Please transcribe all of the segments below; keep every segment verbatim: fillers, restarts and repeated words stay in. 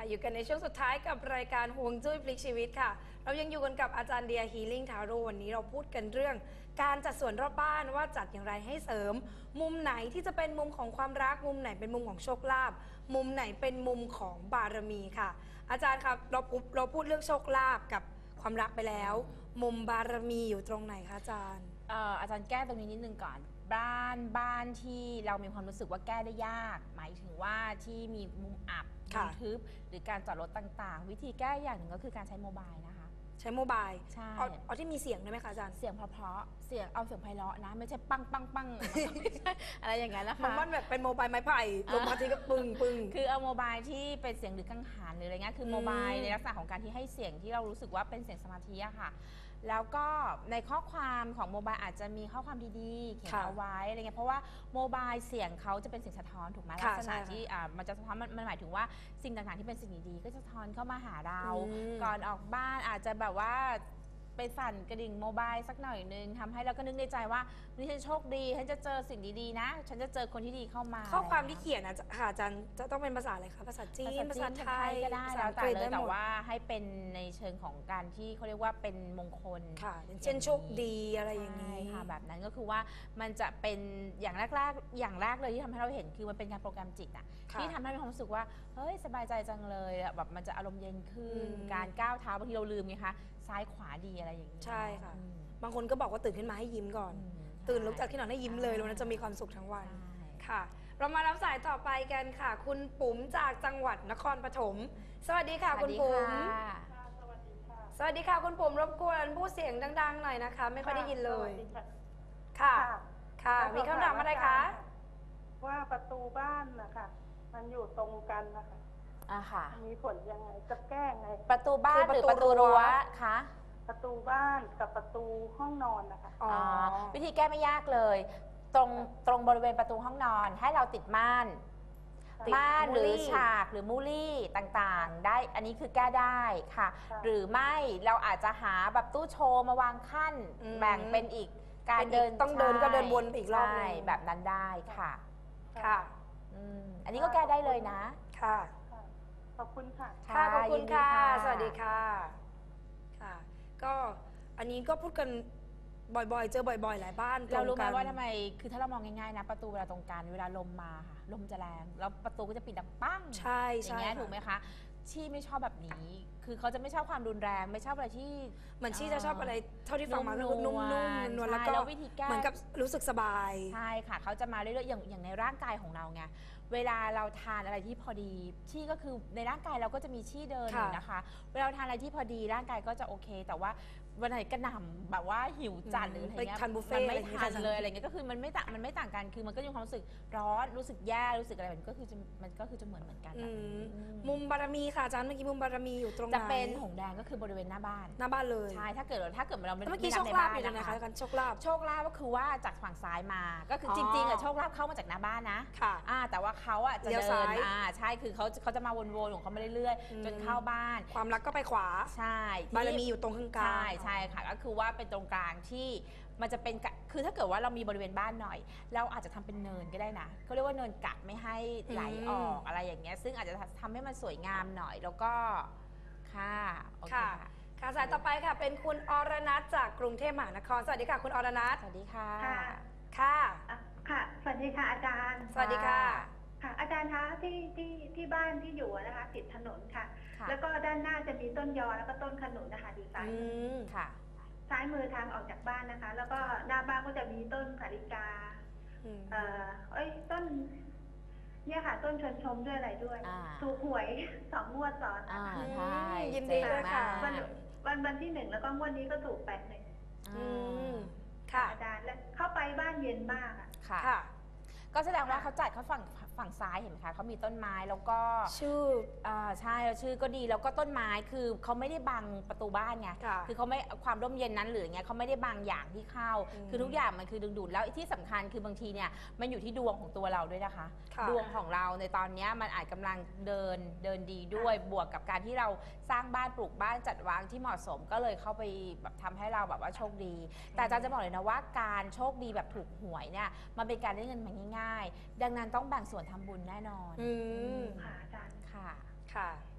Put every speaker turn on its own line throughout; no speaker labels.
อยู่กันในช่วงสุดท้ายกับรายการฮวงจุ้ยพลิกชีวิตค่ะเรายังอยู่กันกับอาจารย์เดียฮีลิ่งทาโร่วันนี้เราพูดกันเรื่องการจัดสวนรอบบ้านว่าจัดอย่างไรให้เสริม มุมไหนที่จะเป็นมุมของความรักมุมไหนเป็นมุมของโชคลาภมุมไหนเป็นมุมของบารมีค่ะอาจารย์ครับเราเราพูดเรื่องโชคลาภกับความรักไปแล้ว มุมบารมีอยู่ตรงไหนคะอาจารย์
อาจารย์แก้ตรงนี้นิดนึงก่อนบ้านบ้านที่เรามีความรู้สึกว่าแก้ได้ยากหมายถึงว่าที่มีมุมอับมุมทึบหรือการจอดรถต่างๆวิธีแก้อย่างหนึ่งก็คือการใช้โมบายนะคะ
ใช้โมบาย
ใช่
เอาที่มีเสียงได้ไหมคะอาจารย์
เสียงเพราะๆเสียงเอาเสียงไพเราะนะไม่ใช่ปังปังปังไม่ใช่อะไรอย่างนั้นนะคะ
มันแบบเป็นโมบายไม้ไผ่ลงมาทีก็ปึ้งปึ้ง
คือเอาโมบายที่เป็นเสียงหรือกังหันหรืออะไรเงี้ยคือโมบายในลักษณะของการที่ให้เสียงที่เรารู้สึกว่าเป็นเสียงสมาธิอะค่ะแล้วก็ในข้อความของโมบายอาจจะมีข้อความดีๆเขียนเอาไว้อะไรเงี้ยเพราะว่าโมบายเสียงเขาจะเป็นเสียงสะท้อนถูกไหมลักษณะที่มันจะสะท้อนมันหมายถึงว่าสิ่งต่างๆที่เป็นสิ่งดีๆก็จะสะท้อนเข้ามาหาเราก่อนออกบ้านอาจจะแบบว่าไปสั่นกระดิ่งโมบายสักหน่อยนึงทำให้เราก็นึกในใจว่านี่ฉันโชคดีฉันจะเจอสิ่งดีๆนะฉันจะเจอคนที่ดีเข้ามา
ข้อความที่เขียนนะค่ะอาจารย์จะต้องเป็นภาษาอะไรคะภาษาจีนภาษาไทย
ก็ได้แล้วแต่เลยแต่ว่าให้เป็นในเชิงของการที่เขาเรียกว่าเป็นมงคล
ค่ะเช่นโชคดีอะไรอย่างนี้
ค่ะแบบนั้นก็คือว่ามันจะเป็นอย่างแรกๆอย่างแรกเลยที่ทำให้เราเห็นคือมันเป็นการโปรแกรมจิตอะที่ทำให้เรารู้สึกว่าเฮ้ยสบายใจจังเลยแบบมันจะอารมณ์เย็นขึ้นการก้าวเท้าบางทีเราลืมไงคะซ้ายขวาดีอะไรอย่างนี้
ใช่ค่ะบางคนก็บอกว่าตื่นขึ้นมาให้ยิ้มก่อนตื่นลุกจากที่นอนให้ยิ้มเลยแล้วนั้นจะมีความสุขทั้งวันค่ะเรามารับสายต่อไปกันค่ะคุณปุ๋มจากจังหวัดนครปฐมสวัสดีค่ะคุณปุ๋ม
สวัสดีค่ะ
สวัสดีค่ะคุณปุ๋มรบกวนพูดเสียงดังๆหน่อยนะคะไม่ค่อยได้ยินเลยค่ะค่ะมีคำถามอะไรคะ
ว่าประตูบ้านนะคะมันอยู่ตรงกันนะคะ
อ่าค่ะ
มีผลยังไงจะแก้ไง
ประตูบ้านหรือประตูรั้วคะ
ประตูบ้านกับประตูห้องนอนนะคะ
อ๋อวิธีแก้ไม่ยากเลยตรงตรงบริเวณประตูห้องนอนให้เราติดม่านม่านหรือฉากหรือมูลี่ต่างๆได้อันนี้คือแก้ได้ค่ะหรือไม่เราอาจจะหาแบบตู้โชว์มาวางขั้นแบ่งเป็นอีกการเดิน
ต้องเดินก็เดินวนอีกรอบ
แบบนั้นได้ค่ะ
ค่ะ
อันนี้ก็แก้ได้เลยนะ
ค่ะ
ขอบคุณค่ะ
ค่ะขอบคุณค่ะสวัสดีค่ะค่ะก็อันนี้ก็พูดกันบ่อยๆเจอบ่อยๆหลายบ้าน
เรารู้ไหมว่าทำไมคือถ้าเรามองง่ายๆนะประตูเวลาตรงกันเวลาลมมาค่ะลมจะแรงแล้วประตูก็จะปิดดังปั้ง
ใช่
อย่างเงี้ยถูกไหมคะชี่ไม่ชอบแบบนี้คือเขาจะไม่ชอบความรุนแรงไม่ชอบอะไรที่
เหมือนชี่จะชอบอะไรเท่าที่ฟังมาคือนุ่มๆนวลแล้วก็
วิธีแก้
เหมือนกับรู้สึกสบาย
ใช่ค่ะเขาจะมาเรื่อยๆอย่างอย่างในร่างกายของเราไงเวลาเราทานอะไรที่พอดีชี่ก็คือในร่างกายเราก็จะมีชี่เดินอยู่นะคะเวลาทานอะไรที่พอดีร่างกายก็จะโอเคแต่ว่าวันไหนกระหน่ำแบบว่าหิวจัดหรืออะไรเงี้ยมันไม่ทานเลยอะไรเงี้ยก็คือมันไม่ต่างมันไม่ต่างกันคือมันก็มีความรู้สึกร้อนรู้สึกแย่รู้สึกอะไรมันก็คือจะมันก็คือจะเหมือนเหมือนกัน
มุมบารมีค่ะอาจารย์เมื่อกี้มุมบารมีอยู่ตรงไหน
จะเป็นหงแดงก็คือบริเวณหน้าบ้าน
หน้าบ้านเลย
ใช่ถ้าเกิดถ้าเกิดเราไม่
เมื่อกี้โชคลาภอยู่นะคะกันโชคลาภ
โชคลาภก็คือว่าจากฝั่งซ้ายมาก็คือจริงๆอะโชคลาภเข้ามาจากหน้าบ้านนะ
ค่ะ
แต่ว่าเขาอะจะเดินอ่าใช่คือเขาเขาจะมาวนๆของเขามาเรื่อยๆจนเข้าบ้าน
ความรักก็ไปขวา
ใช่
บารมีอยู่ตรงข้างกลาง
ใช่ใช่ค่ะก็คือว่าเป็นตรงกลางที่มันจะเป็นคือถ้าเกิดว่าเรามีบริเวณบ้านหน่อยเราอาจจะทำเป็นเนินก็ได้นะเขาเรียกว่าเนินกัดไม่ให้ไหลออกอะไรอย่างเงี้ยซึ่งอาจจะทำให้มันสวยงามหน่อยแล้วก็ค่ะ
ค่ะค่ะสายต่อไปค่ะเป็นคุณอรนัทจากกรุงเทพมหานครสวัสดีค่ะคุณอรนัท
สวัสดีค่ะ
ค่ะ
ค่ะสวัสดีค่ะอาจารย์
สวัสดีค่ะ
ค่ะอาจารย์คะที่ที่ที่บ้านที่อยู่นะคะติดถนนค่ะแล้วก็ด้านหน้าจะมีต้นยอแล้วก็ต้นขนุนนะคะอยู่ซ้ายมือ
ค่ะ
ซ้ายมือทางออกจากบ้านนะคะแล้วก็หน้าบ้านก็จะมีต้นสาลิกาเอ่อเอ้ยต้นเนี่ยค่ะต้นชนชมด้วยอะไรด้วยถูกหวยสองงวดซ้อน
นะคะ
ยินดีด้วยค่ะ
วันวันวันที่หนึ่งแล้วก็งวดนี้ก็ถูกแปดหนึ่ง
ค่ะ
อาจารย์แล้วเข้าไปบ้านเย็นมากอ่ะ
ค่ะก็แสดงว่าเขาจัดเขาฝั่งฝั่งซ้ายเห็นไหมคะเขามีต้นไม้แล้วก็
ชื่อ
อ่าใช่แล้วชื่อก็ดีแล้วก็ต้นไม้คือเขาไม่ได้บังประตูบ้านไงคือเขาไม่ความร่มเย็นนั้นหรืออย่างเงี้ยเขาไม่ได้บังอย่างที่เข้าคือทุกอย่างมันคือดึงดูดแล้วที่สำคัญคือบางทีเนี่ยมันอยู่ที่ดวงของตัวเราด้วยนะคะดวงของเราในตอนนี้มันอาจกำลังเดินเดินดีด้วยบวกกับการที่เราสร้างบ้านปลูกบ้านจัดวางที่เหมาะสมก็เลยเข้าไปแบบทำให้เราแบบว่าโชคดีแต่อาจารย์จะบอกเลยนะว่าการโชคดีแบบถูกหวยเนี่ยมันเป็นการได้เงินมาง่ายๆดังนั้นต้องแบ่งส่วนทำบุญแน่นอน
ค่ะอาจารย์
ค่ะ
ค่ะ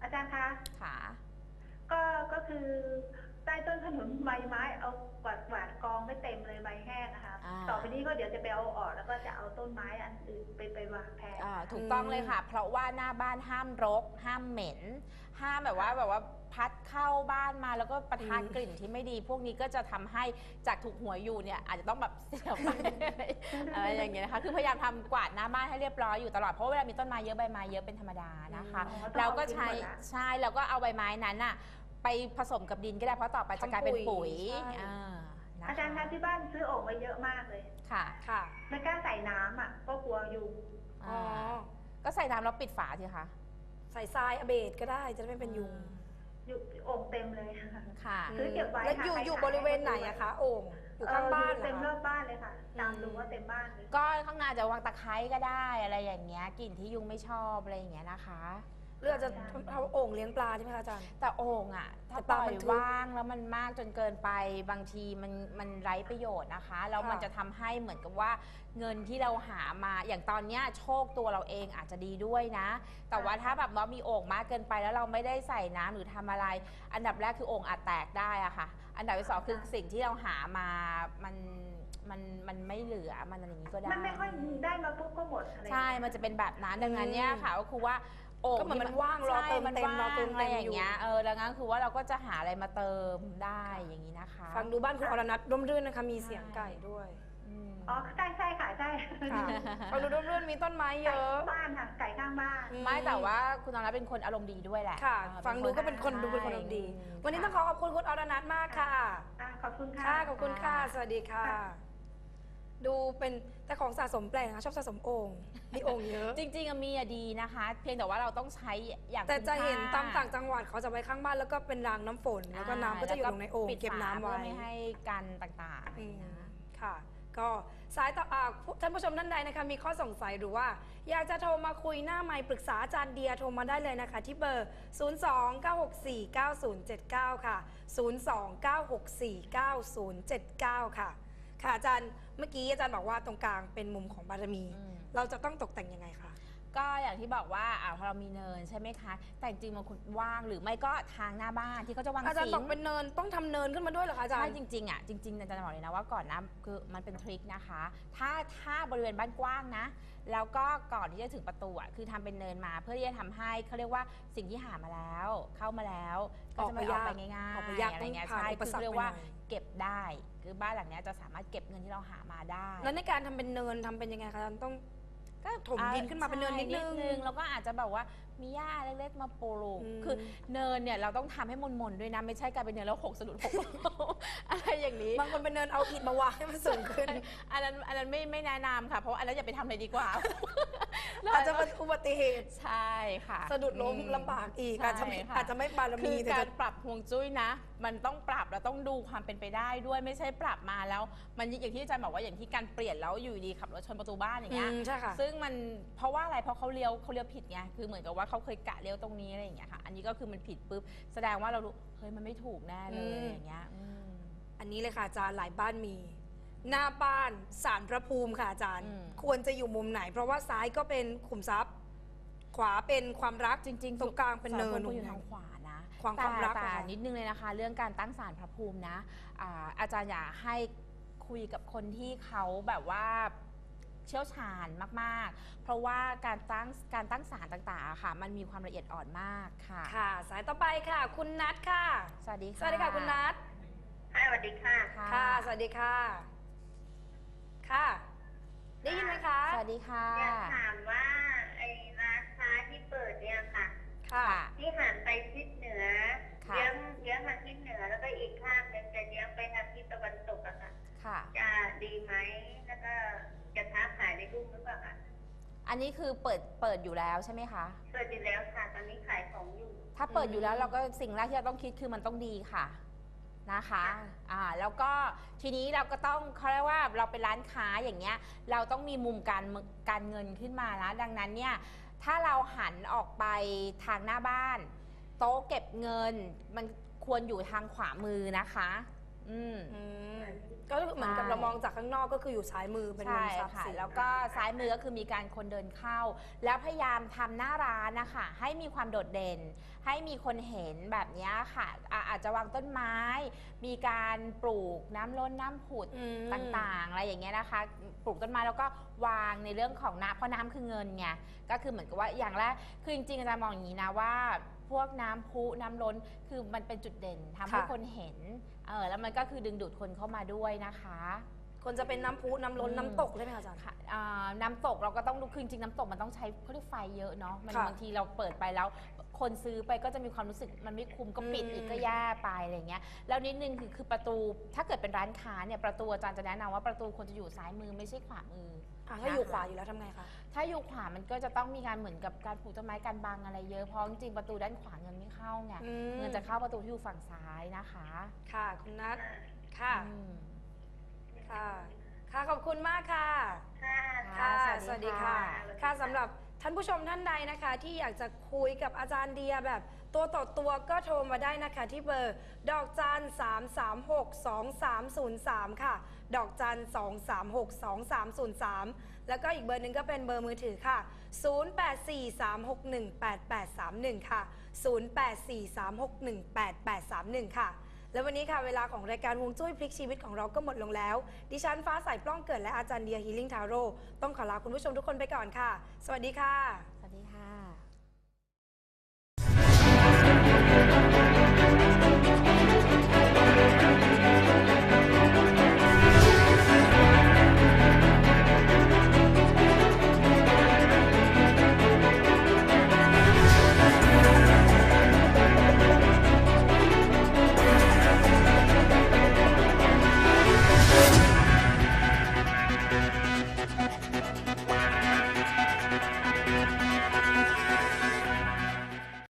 อาจารย์คะ
ค่ะ
ก็ก็คือใต้ต้นขนุนใบไม้เอากวาดกวาดกองไม่เต็มเลยใบแห้งนะคะ
อ่า
ต่อไปนี้ก็เดี๋ยวจะไปเอาออกแล้วก็จะเอาต้นไม้อันอื่นไปไปวางแทน
อ่าถูกต้องเลยค่ะ เพราะว่าหน้าบ้านห้ามรก ห้ามเหม็น ห้ามแบบว่าแบบว่าพัดเข้าบ้านมาแล้วก็ประทานกลิ่นที่ไม่ดี พวกนี้ก็จะทำให้จากถูกหัวอยู่เนี่ยอาจจะต้องแบบเสียไป อะไรอย่างเงี้ยนะคะคือพยายามทำกวาดหน้าบ้านให้เรียบร้อยอยู่ตลอดเพราะเวลามีต้นไม้เยอะใบไม้เยอะเป็นธรรมดานะคะ
อ๋อต้อง
เราก็ใช้
เอาทิ้งหมดละ
ใช่แล้วก็เอาใบไม้นั้นอะไปผสมกับดินก็ได้เพราะต่อไปจะกลายเป็นปุ๋ย
ทำปุ๋ยใช่
อ่านะคะ
อาจารย์คะที่บ้านซื้อโอ่งไว้เยอะมากเลย
ค่ะ
ค่ะ
ไม่กล้าใส่น้ำอ่ะก็กลัวยุง
อ๋อ
ก็ใส่น้ำแล้วปิดฝาสิคะ
ใส่ทรายอเบดก็ได้จะได้ไม่เป็นยุง
อยู่โอ่งเต็มเลย
ค่ะ
ซื้อเก็บไว้
แล้วอยู่
ค่ะ
อยู่
ใค
บริเวณไหนอะคะ โอ่งอยู่ข้างบ้าน
เออ
เหร
เต็
อ
มรอ
คะ
บบ้านเลยค่ะ ตาม
อืม
ดูว่าเต็มบ้านเลย
ก็ข้างหน้าจะวางตะไคร้ก็ได้อะไรอย่างเงี้ยกลิ่นที่ยุงไม่ชอบอะไรอย่างเงี้ยนะคะ
หรืออาจจะเอาโอ่งเลี้ยงปลาใช่ไหมคะอาจารย์
แต่โอ่งอ่ะถ้า
แต่
ป
ปลา
ล่อ
มั
ย
นทึบ
ว่างแล้วมันมากจนเกินไปบางทีมันมันไร้ประโยชน์นะคะแล้ว
ค่ะ
มันจะทำให้เหมือนกับว่าเงินที่เราหามาอย่างตอนเนี้ยโชคตัวเราเองอาจจะดีด้วยนะ แต่ว่าถ้าแบบว่ามีโอ่งมากเกินไปแล้วเราไม่ได้ใส่น้ำหรือทำอะไร อันดับแรกคือโอ่งอาจแตกได้อะค่ะ อันดับที่สองคือสิ่งที่เราหามามันมันมันไม่เหลือมันอะไรอย่างนี้ก็ได้
มันไม่ค่อยได้มาปุ๊บก็หมดอะไร
ใช่ มันจะเป็นแบบนั้น ดังนั้นเนี่ยค่ะก็คือว่าโอ่ง
ก็เหมือน
ที่
มันว่างรอ
ใช่
เติม
มัน
เต็ม
ว่าง
รอเติม
อะไร
เต็ม
อย่าง
อยู่
เงี้ย เออ ดังนั้นคือว่าเราก็จะหาอะไรมาเติมได้อย่างนี้นะคะ
ฟังดูบ้านคุณอรนัทร่มรื่นนะคะ มีเสียงไก่ด้วย
อืม
อ๋อใช่ใช่ค่ะใช่
ค่ะฟังดูร่มรื่นมีต้นไม้เย
ไก่
อะ
ข้างบ้านค่ะไก่ข้างบ้าน
อื
ไม่แต่ว่าคุณนรเป็นคนอารมณ์ดีด้วยแหละ
ค่ะ
เออ
ฟังดูก็เป็นคนดูเป็นคนอารมณ์ดี วันนี้ต้องขอขอบคุณคุณอรนัทมากค่ะ
อ่ะขอบคุณค่ะ
ค่ะ ขอบคุณค่ะ
ค่ะ
สวัสดีค่ะ
ค่ะ
ดูเป็นแต่ของสะสมแปลกนะคะชอบสะสมโอ่งมีโอ่งเยอะ
จริงๆอะมีอะดีนะคะ เพียงแต่ว่าเราต้องใช้อย่าง
แต่จะเห็น
คุ้
ตาม
ค่
ต่างจังหวัดเขาจะไว้ข้างบ้านแล้วก็เป็นรางน้ำฝน แล้วก็น้ำก็จะอยู่ลงในโอ่ง
ปิด
เก็บน้ำไว้
ฝาเพื่อไม่ให้กันต่างๆ
อืม
นะ
ค่ะ ก็สายต่ออ่าผู้ท่านผู้ชมท่านใดนะคะมีข้อสงสัยหรือว่า อยากจะโทรมาคุยหน้าไมค์ปรึกษาอาจารย์เดียโทรมาได้เลยนะคะ ที่เบอร์ ศูนย์ สอง เก้า หก สี่ เก้า ศูนย์ เจ็ด เก้า ค่ะ ศูนย์ สอง เก้า หก สี่ เก้า ศูนย์ เจ็ด เก้า ค่ะ ค่ะอาจารย์เมื่อกี้อาจารย์บอกว่าตรงกลางเป็นมุมของบารมี
อืม
เราจะต้องตกแต่งยังไงคะ
ก็อย่างที่บอกว่าอ่าพอเรามีเนินใช่ไหมคะ แต่จริงๆมันคุณว่างหรือไม่ก็ทางหน้าบ้านที่เขาจะวาง
อาจารย์
สิ
บอก
ง
เป็นเนินต้องทำเนินขึ้นมาด้วยเหรอคะอาจาร
ใช่
ย์
จริงๆอ่ะจริงๆอาจารย์บอกเลยนะว่าก่อนนะคือมันเป็นทริคนะคะ ถ้าถ้าบริเวณบ้านกว้างนะ แล้วก็ก่อนที่จะถึงประตูอ่ะคือทำเป็นเนินมาเพื่อที่จะทำให้เขาเรียกว่าสิ่งที่หามาแล้ว เข้ามาแล้วก็จะไม่ออกไปง่ายๆ
ออกไปยาก
อะไรเงี้ย
ต้องผ่าน
ใช่
อุป
คือ
สรรค
เรียก
ไปหน่
ว่า
อย
เก็บได้ คือบ้านหลังเนี้ยจะสามารถเก็บเงินที่เราหามาได้
แล้วในการทำเป็นเนินทำเป็นยังไงคะอาจารย์ต้อง
ก็
ถมดินขึ้นมาเป็นเนินนิดนึง
ใช่แล้วก็อาจจะแบบว่ามีหญ้าเล็กๆมาปลูก
อืม
คือเนินเนี่ยเราต้องทำให้มนๆด้วยนะไม่ใช่กลายเป็นเนินแล้วหกสะดุดหก อะไรอย่างนี้
บางคนเป็นเนินเอาอิฐมาวางให้มันสูงขึ้น
อันนั้นอันนั้นไม่ไม่แนะนำค่ะ เพราะว่าอันนั้นอย่าไปทำเลยดีกว่า
อาจจะเป็นอุบัติเหตุ
ใช่ค่ะ
สะดุดล้ม
อื
ลำบากอีก
ใช่
อาจจะไม่
ค่ะ
อาจจะไม่บาร
คื
มี
อ
แต่
กา
จะ
รปรับฮวงจุ้ยนะ มันต้องปรับแล้วต้องดูความเป็นไปได้ด้วยไม่ใช่ปรับมาแล้ว มันอย่างที่อาจารย์บอกว่าอย่างที่การเปลี่ยนแล้วอยู่ดีขับรถชนประตูบ้านอย่างเงี้ย
อืมใช่ค่ะ
ซึ่งมันเพราะว่าอะไรเพราะเขาเลี้ยวเขาเลี้ยวผิดไงคือเหมือนกับว่าเขาเคยกะเลี้ยวตรงนี้อะไรอย่างเงี้ยค่ะ อันนี้ก็คือมันผิดปุ๊บแสดงว่าเรารู้เฮ้ยมันไม่ถูกแน่เลย
อืม
อย่างเงี้ยอืม
อันนี้เลยค่ะอาจารย์หลายบ้านมี หน้าบ้านศาลพระภูมิค่ะอาจารย์
อืม
ควรจะอยู่มุมไหน เพราะว่าซ้ายก็เป็นขุมทรัพย์ ขวาเป็นความรัก
จริงๆ
ตรงกลางเป็นเนิน
สารพระภูมิอยู่ทางขวานะ
ความ
แต่
ความรัก
แต่
อะค่ะ
นิดนึงเลยนะคะ เรื่องการตั้งศาลพระภูมินะอ่าอาจารย์อยากให้คุยกับคนที่เขาแบบว่าเชี่ยวชาญมากๆ เพราะว่าการตั้งการตั้งศาลต่างๆอะค่ะ มันมีความละเอียดอ่อนมากค่ะ
ค่ะ สายต่อไปค่ะ คุณนัทค่ะ
สวัสดีค่ะ
สวัสดีค่ะคุณนัท
ค่ะสวัสดีค่ะ
ค่ะ สวัสดีค่ะ ค่ะ ได้ยินไหมคะ
สวัสดีค่ะ
อยากถามว่าไอ้ร้านค้าที่เปิดเนี่ยค่ะ
ค่ะ
ที่หันไปทิศเหนือ
ค่ะ
เยื้องเยื้องมาทิศเหนือ แล้วก็อีกข้างหนึงจะเยื้องไปทางทิศตะวันตกอะค่ะ
ค่ะ
จะดีไหมแล้วก็จะค้าขายได้รุ่งหรือเปล่าคะ
อันนี้คือเปิดเปิดอยู่แล้วใช่ไหมคะ
เปิดอยู่แล้วค่ะตอนนี้ขายของอยู่
ถ้าเปิด
อืม
อยู่แล้วเราก็สิ่งแรกที่เราต้องคิดคือมันต้องดีค่ะนะคะอ่าแล้วก็ทีนี้เราก็ต้องเขาเรียกว่าเราเป็นร้านค้าอย่างเงี้ยเราต้องมีมุมการการเงินขึ้นมานะดังนั้นเนี่ยถ้าเราหันออกไปทางหน้าบ้าน โต๊ะเก็บเงินมันควรอยู่ทางขวามือนะคะอืม
อืมก็เหมือนกับเราเรามองจากข้างนอกก็คืออยู่ซ้ายมือเป็นมุ
ใช่
มทรัพย์
ค่ะ
สิน
แล้วก็ซ้ายมือก็คือมีการคนเดินเข้า แล้วพยายามทำหน้าร้านนะคะให้มีความโดดเด่น ให้มีคนเห็นแบบนี้ค่ะอ่ะอาจจะวางต้นไม้ มีการปลูกน้ำล้นน้ำผุด
อืม
ต่างๆอะไรอย่างเงี้ยนะคะปลูกต้นไม้แล้วก็วางในเรื่องของน้ำเพราะน้ำคือเงินไงก็คือเหมือนกับว่าอย่างแรกคือจริงๆอาจารย์มองอย่างนี้นะว่าพวกน้ำพุน้ำล้นคือมันเป็นจุดเด่นทำให้
ค่ะ
คนเห็นเออแล้วมันก็คือดึงดูดคนเข้ามาด้วยนะคะ
คนจะเป็นน้ำพุน้ำล้น
อืม
น้ำตกใช่ไหมคะอาจารย์
ค่ะอ่าน้ำตกเราก็ต้องดูคือจริงๆน้ำตกมันต้องใช้เขาเรียกไฟเยอะเนาะมัน
ค่ะ
บางทีเราเปิดไปแล้ว คนซื้อไปก็จะมีความรู้สึกมันไม่คุ้มก็ปิด
อืม
อีกก็แย่ไปอะไรเงี้ยแล้วนิดนึงคือคือประตูถ้าเกิดเป็นร้านค้าเนี่ยประตูอาจารย์จะแนะนำว่าประตูควรจะอยู่ซ้ายมือไม่ใช่ขวามือ
อ่ะถ้าอยู่ขวาอยู่แล้วทำไงคะ
ถ้าอยู่ขวามันก็จะต้องมีการเหมือนกับการปลูกต้นไม้การบังอะไรเยอะเพราะจริงๆประตูด้านขวาเงินไม่เข้าไง
อืม
เงินจะเข้าประตูที่อยู่ฝั่งซ้ายนะคะ
ค่ะคุณนัทค่ะ
อืม
ค่ะค่ะขอบคุณมากค่ะ
ค่ะ
ค่ะ
ส
ส
วั
วั
ส
ส
ดี
ดี
ค่ะ
ค่ะ ค่ะสำหรับท่านผู้ชมท่านใดนะคะ ที่อยากจะคุยกับอาจารย์เดียแบบตัวต่อตัวก็โทรมาได้นะคะที่เบอร์ดอกจันสามสามหกสองสามศูนย์สามค่ะ ดอกจันสองสามหกสองสามศูนย์สามแล้วก็อีกเบอร์หนึ่งก็เป็นเบอร์มือถือค่ะศูนย์ แปด สี่ สาม หก หนึ่ง แปด แปด สาม หนึ่งค่ะศูนย์ แปด สี่ สาม หก หนึ่ง แปด แปด สาม หนึ่งค่ะแล้ววันนี้ค่ะเวลาของรายการฮวงจุ้ยพลิกชีวิตของเราก็หมดลงแล้ว ดิฉันฟ้าใสปล้องเกิดและอาจารย์เดียฮีลิ่งทาโร่ต้องขอลาคุณผู้ชมทุกคนไปก่อนค่ะ สวัสดีค่ะ